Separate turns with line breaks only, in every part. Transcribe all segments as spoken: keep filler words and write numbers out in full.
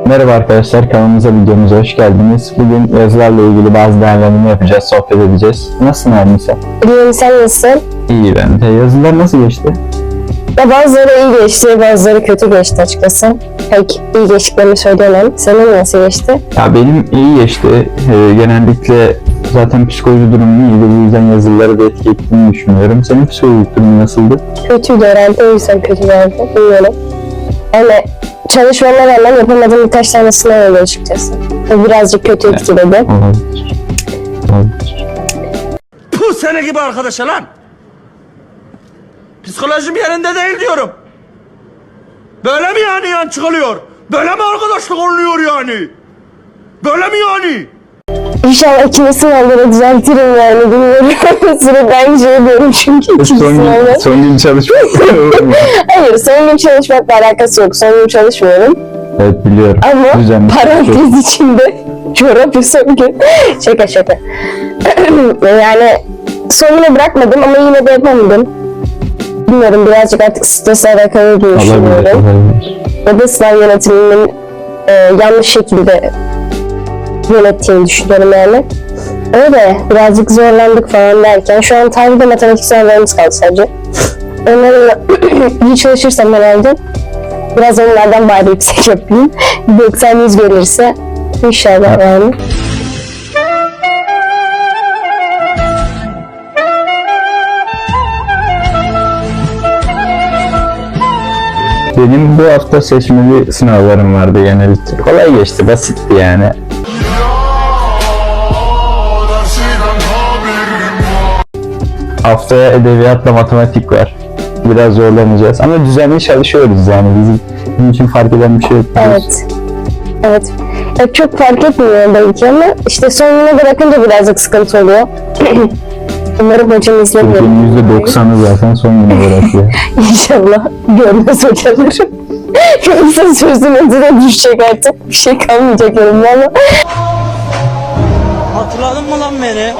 Merhaba arkadaşlar, kanalımıza, videomuza hoş geldiniz. Bugün yazılarla ilgili bazı değerlendirme yapacağız, sohbet edeceğiz. Nasılsın Arnisa?
İyiyim, sen nasılsın?
İyi ben de. Yazılar nasıl geçti?
Ya bazıları iyi geçti, bazıları kötü geçti açıkçası. Pek iyi geçtiklerini söyleyemem. Senin nasıl geçti?
Ya benim iyi geçti. Ee, genellikle zaten psikoloji durumum iyiydi. Bu yüzden yazıları da etki ettiğini düşünüyorum. Senin psikolojik durumun nasıldı?
Kötüydü herhalde, o yüzden kötü geldi. Bilmiyorum. Yani çalışmama rağmen yapamadığım birkaç tane sınav oldu açıkçası. O birazcık kötü etkiledi.
Olabilir. Olabilir.
Puh, sene gibi arkadaşa lan! Psikolojim yerinde değil diyorum. Böyle mi yani yan çıkılıyor? Böyle mi arkadaşlık oluyor yani? Böyle mi yani?
İnşallah ikinci sınavları düzeltirim yani, bilmiyorum. Sürekli aynı şey diyorum çünkü ikinci
Son
sınavda.
gün, son gün çalışmak
Hayır, son gün çalışmakla alakası yok. Son gün çalışmıyorum.
Evet biliyorum.
Ama
Düzenli
parantez
çalışıyorum.
içinde çorap son gün. Şaka şaka. Yani sonuna bırakmadım ama yine de yapamadım. Bilmiyorum, birazcık artık stresle alakalı diye
Olabilir,
düşünüyorum.
olabilir.
Ya da sınav yönetiminin e, yanlış şekilde yönettiğini düşünüyorum yani. Öyle birazcık zorlandık falan derken şu an tarihte matematik sınavlarımız kaldı sadece. Onları iyi çalışırsam herhalde biraz onlardan bari yüksek yapayım. doksan yüz gelirse inşallah yani.
Benim bu hafta seçmeli sınavlarım vardı genellikle. Kolay geçti, basitti yani. Haftaya edebiyatla matematik var. Biraz zorlanacağız ama düzenli çalışıyoruz yani. Bizim, bizim için fark eden bir şey yok.
Evet. Evet. Ya çok fark etmiyor belki ama işte sonuna bırakınca birazcık sıkıntı oluyor. Umarım hocam izlemiyor.
Türkiye'nin yüzde doksanı zaten son güne bırakıyor.
İnşallah görmez hocalarım. Yoksa sözün önüne düşecek artık. Bir şey kalmayacak yanımda ama.
Hatırladın mı lan beni?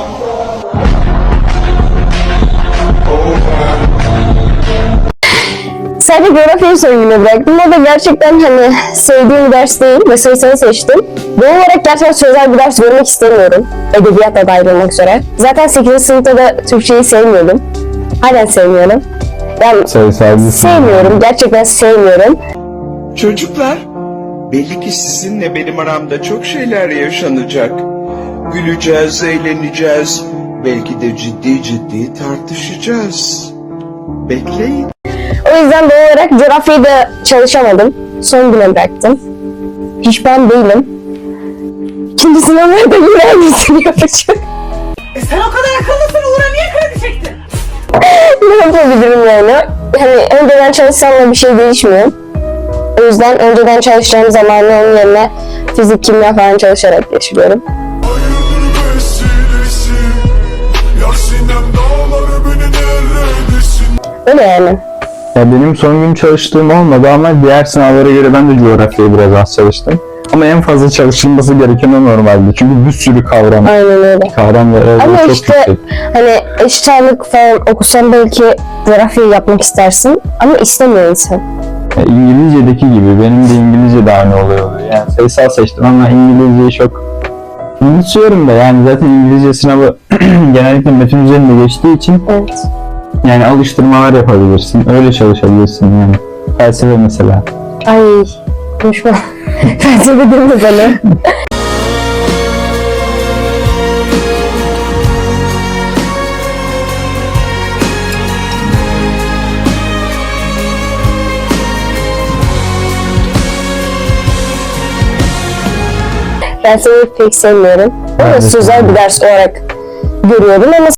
Sadece coğrafyayı son güne bıraktım. O da gerçekten hani sevdiğim bir ders değil ve sayısını seçtim. Doğal olarak gerçekten sözel bir ders görmek istemiyorum. Edebiyatla dahil olmak üzere. Zaten sekizinci sınıfta da Türkçeyi sevmiyordum. Halen sevmiyorum. Yani
Sayısalcı
sevmiyorum. Gerçekten sevmiyorum.
Çocuklar, belli ki sizinle benim aramda çok şeyler yaşanacak. Güleceğiz, eğleneceğiz, belki de ciddi ciddi tartışacağız. Bekleyin.
O yüzden doğal olarak coğrafyayı da çalışamadım. Son güne bıraktım. Pişman değilim. İkinci sınavlarda yine aynısını yapacağım.
E sen o kadar akıllısın, Uğur'a niye kredi çektin?
Ne yapabilirim yani? Hani önceden çalışsam da bir şey değişmiyor. O yüzden önceden çalışacağım zamanı onun yerine fizik, kimya falan çalışarak geçiriyorum. Öyle yani.
Ya benim son gün çalıştığım olmadı ama diğer sınavlara göre ben de coğrafyayı biraz az çalıştım. Ama en fazla çalışılması gereken o normalde. Çünkü bir sürü kavram,
Aynen öyle.
kavram ve
Ama
çok
işte
yüksek.
hani eşit ağırlık falan okusan belki coğrafyayı yapmak istersin ama istemiyor insan.
Ya İngilizce'deki gibi benim de İngilizce de aynı oluyor. Yani sayısal seçtim ama İngilizceyi çok unutuyorum da yani zaten İngilizce sınavı genellikle metin üzerinde geçtiği için
Evet.
yani alıştırmalar yapabilirsin, öyle çalışabilirsin yani. Felsefe mesela.
Ay konuşma. Felsefe deme bana. Felsefeyi pek sevmiyorum. Ama
Evet.
sözel bir ders olarak görüyorum ama